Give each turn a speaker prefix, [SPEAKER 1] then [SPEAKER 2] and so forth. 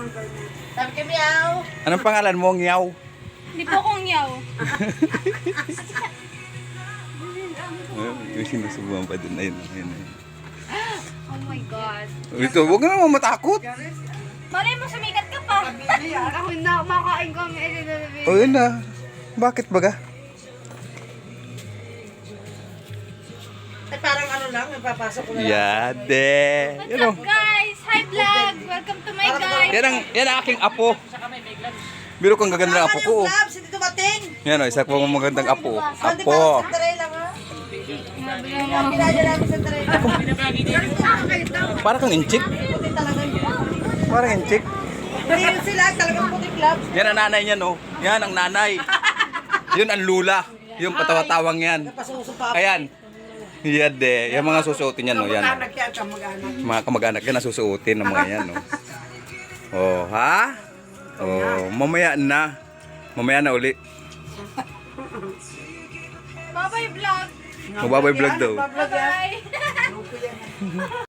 [SPEAKER 1] Sabi kay Miao.
[SPEAKER 2] Anong pangalan mo, Ngiyaw?
[SPEAKER 3] Hindi po akong yaw.
[SPEAKER 2] May sinusubuhan pa din. Ayun, ayun, ayun.
[SPEAKER 3] Oh my God.
[SPEAKER 2] Ito, huwag ka naman matakot.
[SPEAKER 3] Malay mo, sumikat ka pa. Ako na, makain kami.
[SPEAKER 2] O yun na. Bakit baga?
[SPEAKER 1] Ay, parang ano lang, napapasok ko na lang.
[SPEAKER 2] Yade.
[SPEAKER 3] What's
[SPEAKER 2] Yan o.
[SPEAKER 3] up, guys? Hi, vlog. Welcome to my guys.
[SPEAKER 2] Yan ang aking apo. Biro kang gaganda ng apo ko.
[SPEAKER 1] Yung gloves, hindi dumating.
[SPEAKER 2] Yan o, isa pang magandang apo.
[SPEAKER 1] Hindi
[SPEAKER 2] Apo.
[SPEAKER 1] parang Cinderella nga. Pinadya namin Cinderella.
[SPEAKER 2] Parang kang inchik.
[SPEAKER 1] Puti talaga yun.
[SPEAKER 2] Parang inchik.
[SPEAKER 1] Hindi yun sila, talagang puti gloves.
[SPEAKER 2] Yan ang nanay niya, no? Yan ang nanay. Yun ang lula. Yung patawa-tawang yan.
[SPEAKER 1] Napasuso pa.
[SPEAKER 2] Ayan. Yade. Yung mga susuotin yan, no? Yan.
[SPEAKER 1] Kamag-anak yan, kamag-anak.
[SPEAKER 2] Mga kamag-anak yan, nasusuotin ng mga yan, no? Oh, ha? Oh, mamaya na. Mamaya na uli.
[SPEAKER 3] Bye-bye, vlog.
[SPEAKER 2] Magbabay vlog daw.
[SPEAKER 1] Bablog yan.
[SPEAKER 3] Bye.